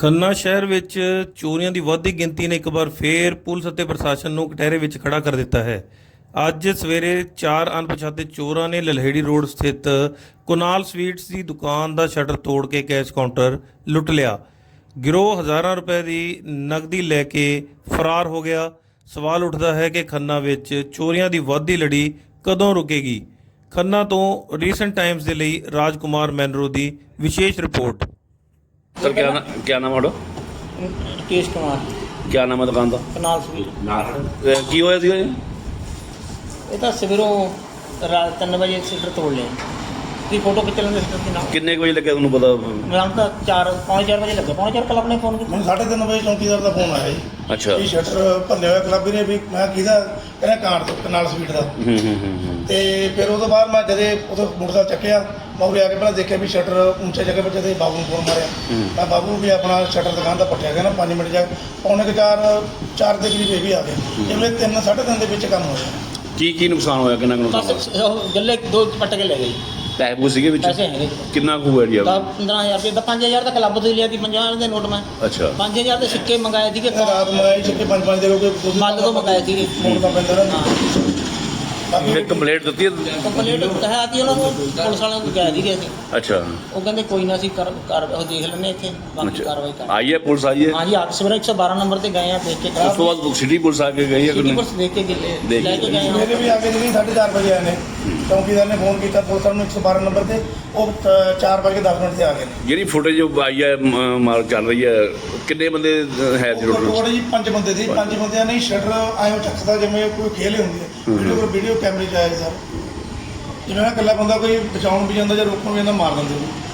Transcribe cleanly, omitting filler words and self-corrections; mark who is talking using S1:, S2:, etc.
S1: ਖੰਨਾ ਸ਼ਹਿਰ ਵਿੱਚ ਚੋਰੀਆਂ ਦੀ ਵੱਧਦੀ ਗਿਣਤੀ ਨੇ ਇੱਕ ਵਾਰ ਫੇਰ ਪੁਲਿਸ ਅਤੇ ਪ੍ਰਸ਼ਾਸਨ ਨੂੰ ਕਟਹਿਰੇ ਵਿੱਚ ਖੜਾ ਕਰ ਦਿੱਤਾ ਹੈ। ਅੱਜ ਸਵੇਰੇ 4 ਅਣਪਛਾਤੇ ਚੋਰਾਂ ਨੇ ਲਲਹੇੜੀ ਰੋਡ ਸਥਿਤ ਕੁਨਾਲ ਸਵੀਟਸ ਦੀ ਦੁਕਾਨ ਦਾ ਸ਼ਟਰ ਤੋੜ ਕੇ ਕੈਸ਼ ਕਾਊਂਟਰ ਲੁੱਟ ਲਿਆ। ਗਿਰੋਹ ਹਜ਼ਾਰਾਂ ਰੁਪਏ ਦੀ ਨਕਦੀ ਲੈ ਕੇ ਫਰਾਰ ਹੋ ਗਿਆ। ਸਵਾਲ ਉੱਠਦਾ ਹੈ ਕਿ ਖੰਨਾ ਵਿੱਚ ਚੋਰੀਆਂ ਦੀ ਵੱਧਦੀ ਲੜੀ ਕਦੋਂ ਰੁਕੇਗੀ। ਖੰਨਾ ਤੋਂ ਰੀਸੈਂਟ ਟਾਈम्स ਦੇ ਲਈ ਰਾਜਕੁਮਾਰ ਮੈਨਰੋ ਦੀ ਵਿਸ਼ੇਸ਼ ਰਿਪੋर्ट।
S2: सर क्या नाम है
S3: राकेश कुमार
S2: क्या नाम है दुकान का
S3: कनाल स्वीट
S2: की होया सीगा जी?
S3: ये तो सवेरों 3 बजे सीटर तोड़ लिया की फोटो खिंच लेंगे सीटर की नाम
S2: किन्ने कुछ लगे तुहानू पता?
S3: हम तो 4 बजे लगे 4:45 कल अपने फोन
S4: ਮੈਨੂੰ 3:30 ਵਜੇ ਚੌਂਕੀਦਾਰ ਦਾ ਫੋਨ ਆਇਆ ਜੀ
S2: अच्छा
S4: ਵੀ ਸ਼ਟਰ ਭੰਨਿਆ ਹੋਇਆ ਕਲੱਬੀ ਨੇ ਵੀ ਮੈਂ ਕਿਹਦਾ ਕਹਿੰਦਾ ਕਾਰ ਤੋਂ ਕਨਾਲ ਸਵੀਟ ਦਾ ਤੇ ਫਿਰ ਉਹ ਤੋਂ ਬਾਅਦ ਮੈਂ ਜਦੇ ਉਦੋਂ ਮੋਟਰਸਾਈਕਲ ਚੱਕਿਆ ਮੈਂ ਉਰੇ ਆ ਕੇ ਪਹਿਲਾਂ ਦੇਖਿਆ ਵੀ ਸ਼ਟਰ ਉੱਚੇ ਜਗ੍ਹਾ 'ਤੇ ਜਦੇ ਬਾਬੂ ਨੂੰ ਫੋਨ ਮਾਰਿਆ ਮੈਂ ਬਾਬੂ ਵੀ ਆਪਣਾ ਸ਼ਟਰ ਦੁਕਾਨ ਦਾ ਪੱਟਿਆ ਗਿਆ ਨਾ 5 ਮਿੰਟ ਜਾ ਪੌਣੇ ਕੁ 4 ਦੇ ਕਰੀਬ ਇਹ ਵੀ ਆ ਗਏ ਜਿਵੇਂ 3-3:30 ਦੇ ਵਿੱਚ ਕੰਮ ਹੋਇਆ
S2: की नुकसान होया किन्ना कुछ नुकसान
S3: बस गले 2 पट के ले गई
S2: पैसे पूछ सीगे विच
S3: पैसे हैं
S2: किन्ना कुछ हुआ जी?
S3: 15,000 रुपये 5,000 का क्लब तो लिया थी 50,000 के नोट में
S2: अच्छा
S3: 5,000 के सिक्के मंगाए थे
S4: ਰਾਤ ਮੰਗਾਈ ਛੱਕੇ 5-5 ਦੇ ਲੋਕ
S3: माल तो मंगाए थे
S4: ਮੋੜਨਾ ਪੈਂਦਾ ਨਾ
S2: फिर कंप्लेंट दी है?
S3: ਕੰਪਲੀਟ ਹੈ ਆਤੀ ਉਹਨਾਂ ਨੂੰ ਪੁਲਿਸ ਵਾਲਿਆਂ ਨੂੰ ਕਹਿ ਦੀ ਗਏ ਸੀ
S2: अच्छा
S3: ਉਹ ਕਹਿੰਦੇ ਕੋਈ ਨਾ ਅਸੀਂ ਕਰ ਉਹ ਦੇਖ ਲੈਣੇ ਇੱਥੇ ਬਾਕੀ ਕਾਰਵਾਈ ਕਰ
S2: आई है पुलिस आई है?
S3: हाँ जी आप सवेरे 112 नंबर पे गए हैं देख के
S2: उस तो बाद सिटी पुलिस आके गई है कि नहीं?
S3: पुलिस देख के
S2: देख
S3: लेके गए हैं
S4: ਮੇਰੇ ਵੀ ਆ ਕੇ ਜੀ 4:30 ਵਜੇ ਆਏ ਨੇ ਚੌਂਕੀਦਾਰ ਨੇ ਫੋਨ ਕੀਤਾ ਪੁਲਿਸ ਵਾਲਿਆਂ ਨੂੰ 112 ਨੰਬਰ ਤੇ ਉਹ 4:10 ਮਿੰਟ ਤੇ ਆ ਗਏ ਨੇ
S2: ਜਿਹੜੀ ਫੁਟੇਜ ਆਈ ਹੈ ਮਾਰ ਚੱਲ ਰਹੀ ਹੈ ਕਿੰਨੇ ਬੰਦੇ ਹੈ ਜੀ ਟੋਟਲ?
S4: ਟੋਟਲ ਜੀ 5 ਬੰਦੇ ਸੀ 5 ਬੰਦਿਆਂ ਨੇ ਸ਼ਟਰ ਆਇਓ ਚੱਕਦਾ ਜਿਵੇਂ ਕੋਈ ਖੇਲ ਹੀ ਹੁੰਦੀ ਹੈ ਵੀਡੀਓ ਕੈਮਰੇ 'ਚ ਆਇਆ ਸਰ ਜਿਵੇਂ ਨਾ ਇਕੱਲਾ ਬੰਦਾ ਕੋਈ ਬਚਾਉਣ ਵੀ ਜਾਂਦਾ ਜਾਂ ਰੋਕਣ ਵੀ ਜਾਂਦਾ ਮਾਰ ਦਿੰਦੇ